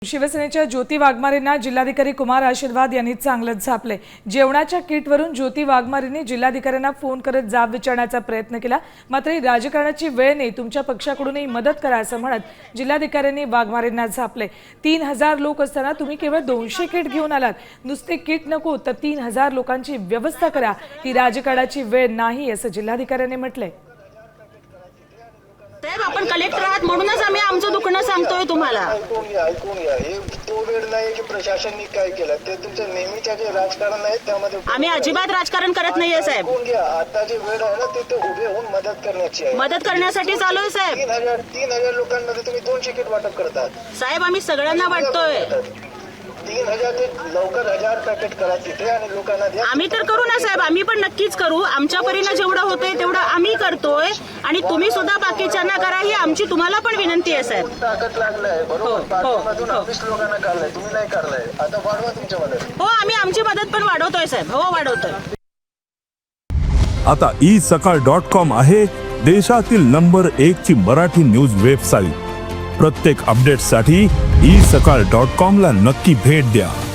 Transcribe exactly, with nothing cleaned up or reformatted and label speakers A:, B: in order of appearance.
A: शिवसेनेच्या ज्योती वाघमारेंना जिल्हाधिकारी कुमार आशीर्वाद यांनी चांगलंच झापले। जेवणाच्या किटवरून ज्योती वाघमारेंनी जिल्हाधिकाऱ्यांना फोन करत जाब विचारण्याचा प्रयत्न केला, मात्र राजकारणाची वेळ नाही, तुमच्या पक्षाकडूनही मदत करा असं म्हणत जिल्हाधिकाऱ्यांनी वाघमारेंना झापले। तीन हजार लोक असताना तुम्ही केवळ दोनशे किट घेऊन आलात, नुसते किट नको तर तीन हजार लोकांची व्यवस्था करा, ही राजकारणाची वेळ नाही असं जिल्हाधिकाऱ्यांनी म्हटलंय।
B: साहेब आपण कलेक्टर आहात म्हणूनच आम्ही आमचं दुखणं सांगतोय तुम्हाला।
C: ऐकून घ्या ऐकून घ्या हे तो वेळ नाही की प्रशासनाने काय केलं ते तुमचं नेहमीच्या जे राजकारण आहे त्यामध्ये
B: आम्ही अजिबात राजकारण करत नाहीये साहेब।
C: ऐकून घ्या, आता जे वेळ आहे ना ते ते उभे होऊन मदत करण्याची आहे।
B: मदत करण्यासाठी चालू आहे साहेब।
C: तीन हजार तीन हजार लोकांमध्ये तुम्ही दोनशे किट वाटप करतात
B: साहेब आम्ही सगळ्यांना वाटतोय।
C: तीन हजार ते लवकर हजार पॅकेट करा तिथे आणि लोकांना द्या।
B: आम्ही तर करू ना साहेब, आम्ही पण नक्कीच करू, आमच्या परीने जेवढं होतंय तेवढं आम्ही करतोय आणि तुम्ही सुद्धा बाकीच्यांना करा ही आमची तुम्हाला पण विनंती आहे साहेब।
C: ताकद लागलाय बरोबर, पाठीमधून ऑफिस लोकांना काढलाय, तुम्ही नाही काढलाय, आता वाढवा तुमच्या मदत।
B: हो आम्ही आमची मदत पण वाढवतोय साहेब, हो वाढवतोय।
D: आता ई सकाळ डॉट कॉम आहे देशातील नंबर एक ची मराठी न्यूज वेबसाईट। प्रत्येक अपडेटसाठी ई सकाळ डॉट कॉम ला नक्की भेट द्या।